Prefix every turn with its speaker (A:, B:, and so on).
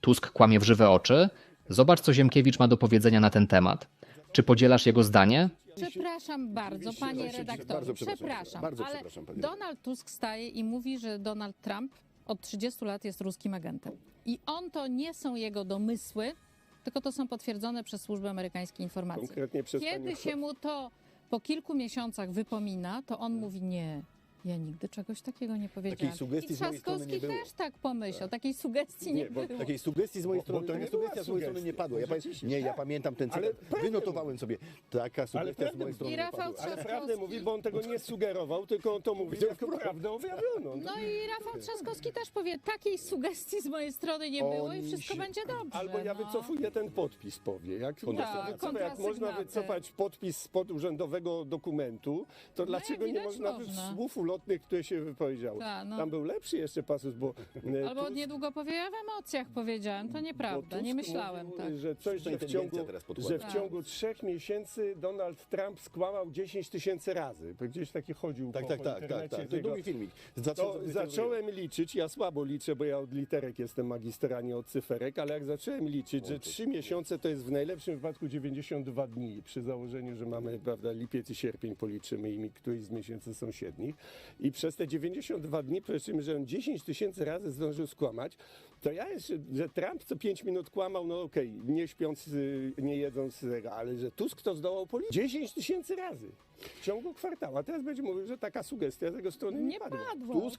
A: Tusk kłamie w żywe oczy? Zobacz, co Ziemkiewicz ma do powiedzenia na ten temat. Czy podzielasz jego zdanie?
B: Przepraszam bardzo, panie redaktorze.
C: Bardzo przepraszam,
B: Przepraszam,
C: bardzo
B: ale
C: przepraszam, pani
B: Donald Tusk staje i mówi, że Donald Trump od 30 lat jest ruskim agentem. I to nie są jego domysły, tylko to są potwierdzone przez służby amerykańskie informacje.
C: Konkretnie przez
B: Kiedy
C: panią-
B: się mu to po kilku miesiącach wypomina, to on mówi nie. Ja nigdy czegoś takiego nie powiedziałam.
C: sugestii
B: I
C: z mojej strony
B: Trzaskowski
C: nie było.
B: też tak pomyślał. Takiej sugestii nie,
C: bo
B: było.
C: takiej sugestii z mojej strony,
D: to
C: taka
D: nie była
C: sugestia z mojej strony nie
D: sugestia.
C: padła. Ja pamiętam ten
D: Ale
C: cytat.
D: prawdę
C: Wynotowałem sobie. Taka sugestia z
D: prawdę
C: mojej
D: mówi.
C: strony
B: I
C: nie
B: Rafał
C: padła.
D: Ale prawdę
B: Trzaskowski.
D: mówi, bo on tego nie sugerował, tylko on to mówi jako prawdę objawioną.
B: No i Rafał Trzaskowski też powie, takiej sugestii z mojej strony nie było i
C: Oni
B: wszystko
C: się-
B: będzie dobrze.
D: Albo ja
B: no.
D: wycofuję ten podpis, powie. Jak
B: Tak,
D: jak można
B: kontrasygnaty.
D: wycofać podpis spod urzędowego dokumentu, to dlaczego nie
B: widać
D: można
B: można.
D: słów ulotnych, które się wypowiedziało?
B: Tak, no.
D: Tam był lepszy jeszcze pasus, bo
B: Albo
D: Tusk-
B: niedługo powie, ja w emocjach powiedziałem, to nieprawda,
D: bo
B: nie
D: Tusk
B: myślałem
D: mówił,
B: tak.
D: że coś,
C: Tutaj
D: że w
C: tendencja
D: ciągu,
C: teraz podkłada.
D: że w ciągu 3 miesięcy Donald Trump skłamał 10 000 razy. Bo gdzieś taki chodził
C: Tak,
D: po
C: tak, tak,
D: internecie
C: tak. To
D: tego.
C: długi filmik.
D: To zacząłem liczyć, ja słabo liczę, bo ja od literek jestem magister, a nie od cyferek, ale jak zacząłem liczyć, że 3 miesiące to jest w najlepszym wypadku 92 dni, przy założeniu, że mamy, prawda, lipiec i sierpień policzymy i któryś z miesięcy sąsiednich. I przez te 92 dni policzymy, że on 10 000 razy zdążył skłamać, to ja jeszcze, że Trump co 5 minut kłamał, no okej, nie śpiąc, nie jedząc, ale że Tusk to zdołał policzyć 10 000 razy w ciągu kwartału. A teraz będzie mówił, że taka sugestia z jego strony nie
B: Nie
D: padła.
B: padło.
D: Tusk